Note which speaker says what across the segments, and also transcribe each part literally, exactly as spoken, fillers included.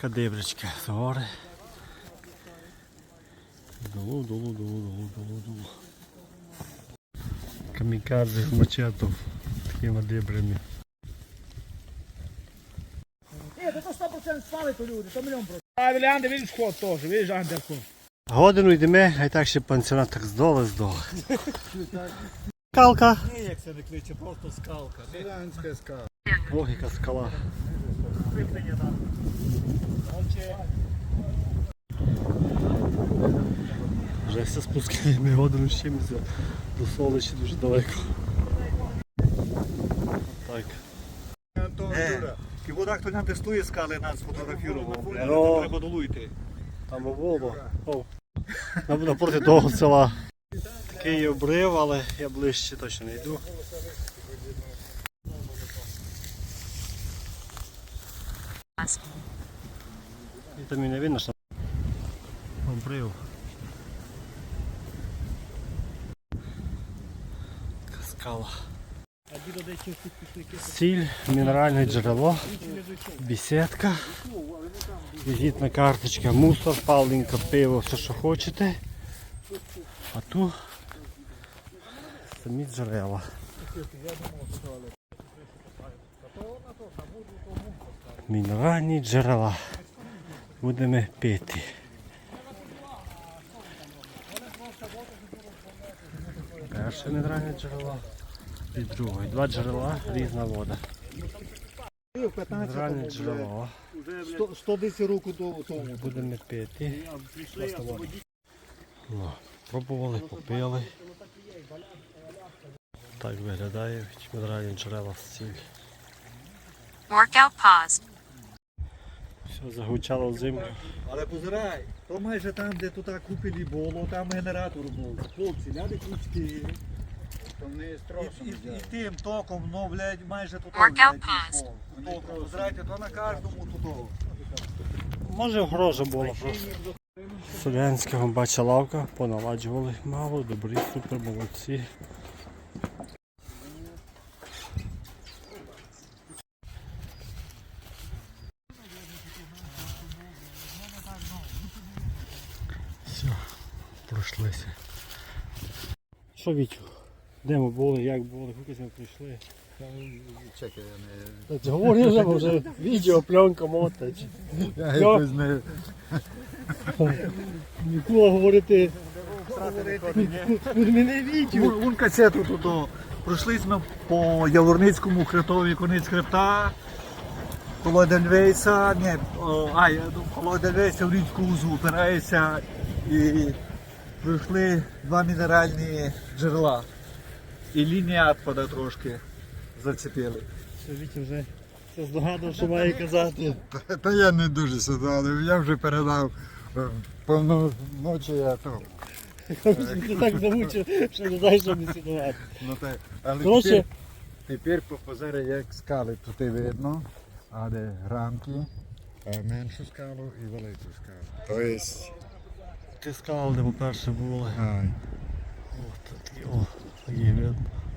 Speaker 1: Така дибричка з гори. Долу, долу, долу, долу, долу, долу. Камікадзе з мачетом. Такими дибрами.
Speaker 2: Ні, то сто відсотків спали то люди, то мільйон процентів. А Вілянди, видиш вход теж, видиш андерход.
Speaker 1: Годину йдемо, а й так ще пансіонат так здоле, здоле. Скалка.
Speaker 2: Ні, як це не кличе, просто скалка. Селянська скалка.
Speaker 1: Ох, яка скала.
Speaker 2: Виплення там.
Speaker 1: Вже все спускаємо годину з чимось до Соличі дуже далеко. Так.
Speaker 2: І вода хто не тестує скали, нас сфотографував.
Speaker 1: Ну,
Speaker 2: Треба долуйти.
Speaker 1: там було. О, напроти того села. Такий є обрив, але я ближче точно не йду. І там і не видно, що обрив. Така скала. Сіль, мінеральне джерело, бесідка, візитна карточка, мусор, паленка, пиво, все що хочете. А тут самі джерела. Мінеральні джерела. Будемо пити. Перше мінеральне джерело і друге. Два джерела, різна вода. Мінеральне джерело.
Speaker 2: сто десять років до того.
Speaker 1: Будемо пити. Ну, пробували, попили. Так виглядає мінеральні джерела з сіль.
Speaker 3: Workout paused.
Speaker 1: Все загучало в землю.
Speaker 2: Але позирай, то майже там, де тут купили було, там генератор був. Хлопці, ляди крючки. І, і, і тим током, ну, блядь, майже тут.
Speaker 3: Workout paused.
Speaker 2: Током, позирайте, то на кожному тут.
Speaker 1: Може грожа була просто. Селянського бача лавка, поналаджували мало, добрі, супер, молодці. Все, пройшлися. Що, Вітю? Де ми були, як були, куди ми прийшли?
Speaker 2: Чекай, я
Speaker 1: Та говори вже, бо вже відео, пленка, мотач.
Speaker 2: не... Я якось не...
Speaker 1: Ніколи говорити. Мене відео.
Speaker 2: Вон касету тут. Пройшлись ми по Яворницькому хребтові, конець хребта. Коло Едельвейса, ні, а, коло Едельвейса в річку Узу опирається і пройшли два мінеральні джерела. І лінія відпада трошки зацепили.
Speaker 1: Що Вітя вже все здогадав, що має казати.
Speaker 4: Та, та я не дуже сюди, але я вже передав е, повну ночі, я то.
Speaker 1: Ти так замучив, що не знаєш, що не сідувати.
Speaker 4: Ну, та, але
Speaker 1: Коротше,
Speaker 4: тепер, тепер по позорі як скали тут і видно, а де рамки, е, меншу скалу і велику скалу. То є,
Speaker 1: ти сказав, де ми перше були.
Speaker 4: ай,
Speaker 1: О, такі, о, такі видно.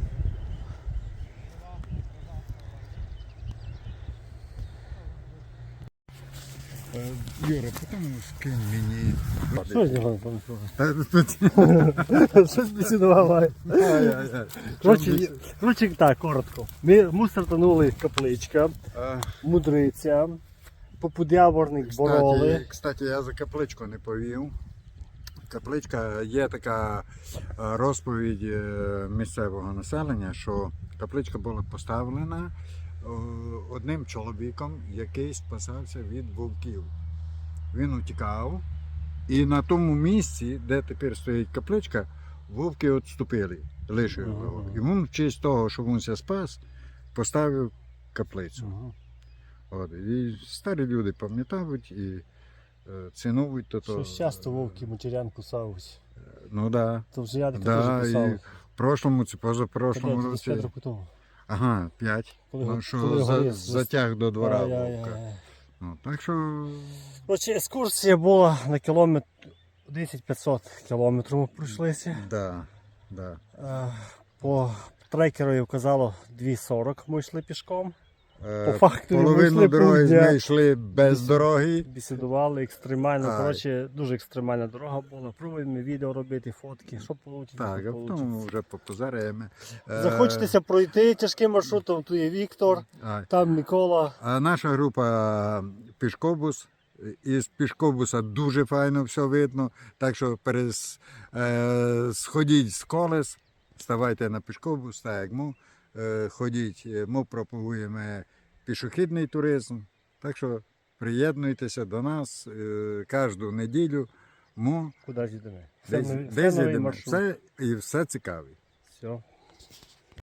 Speaker 4: е, Юра, потім скинь мені.
Speaker 1: Що з нього там?
Speaker 4: Та, тут-
Speaker 1: Щось бесідувало.
Speaker 4: Ай-яй-яй.
Speaker 1: Коротше, коротше, так, коротко. Ми, ми стартанули капличка,
Speaker 4: Е,
Speaker 1: мудриця, попудяворник бороли.
Speaker 4: Кстати, кстати, я за капличку не повів. Капличка є така е, розповідь е, місцевого населення, що капличка була поставлена е, одним чоловіком, який спасався від вовків. Він утікав, і на тому місці, де тепер стоїть капличка, вовки відступили, лишили його. І він в честь того, що він ся спас, поставив каплицю.
Speaker 1: Ага.
Speaker 4: От, і старі люди пам'ятають і е, цінують то.
Speaker 1: Щось часто вовки матерян кусають.
Speaker 4: Ну да.
Speaker 1: То вже я таке
Speaker 4: Да,
Speaker 1: теж
Speaker 4: і
Speaker 1: кусав.
Speaker 4: в прошлому, це позапрошлому
Speaker 1: Коли
Speaker 4: році.
Speaker 1: п'ять років тому.
Speaker 4: Ага, п'ять.
Speaker 1: Коли,
Speaker 4: Ну, що
Speaker 1: коли
Speaker 4: за,
Speaker 1: горів-
Speaker 4: затяг до двора
Speaker 1: Ай-яй-яй.
Speaker 4: вовка. Ну, так що
Speaker 1: Коротше, екскурсія була на кілометр десять п'ятсот кілометрів ми пройшлися.
Speaker 4: да, да.
Speaker 1: Е, По трекеру вказало дві сорок ми йшли пішком.
Speaker 4: Е,
Speaker 1: По факту ми
Speaker 4: Половину
Speaker 1: йшли
Speaker 4: дороги
Speaker 1: півдня.
Speaker 4: ми йшли без дороги.
Speaker 1: Бесідували екстремально.
Speaker 4: Ай.
Speaker 1: Коротше, дуже екстремальна дорога була. Пробуємо відео робити, фотки. Що вийде?
Speaker 4: Так, а потім вже попозаряємо. Е,
Speaker 1: Захочетеся пройти тяжким маршрутом, тут є Віктор,
Speaker 4: а,
Speaker 1: там Микола.
Speaker 4: А наша група пішкобус. Із пішкобуса дуже файно все видно. Так що перес, е, сходіть з колес, ставайте на пішкобус, так як ми. Е, ходіть, е, ми пропагуємо пішохідний туризм. Так що приєднуйтеся до нас е, кожну неділю. Ми
Speaker 1: Куди ж йдемо? Все
Speaker 4: десь,
Speaker 1: нові-
Speaker 4: десь
Speaker 1: все новий
Speaker 4: їдемо.
Speaker 1: маршрут.
Speaker 4: Все, і все цікаве.
Speaker 1: Все.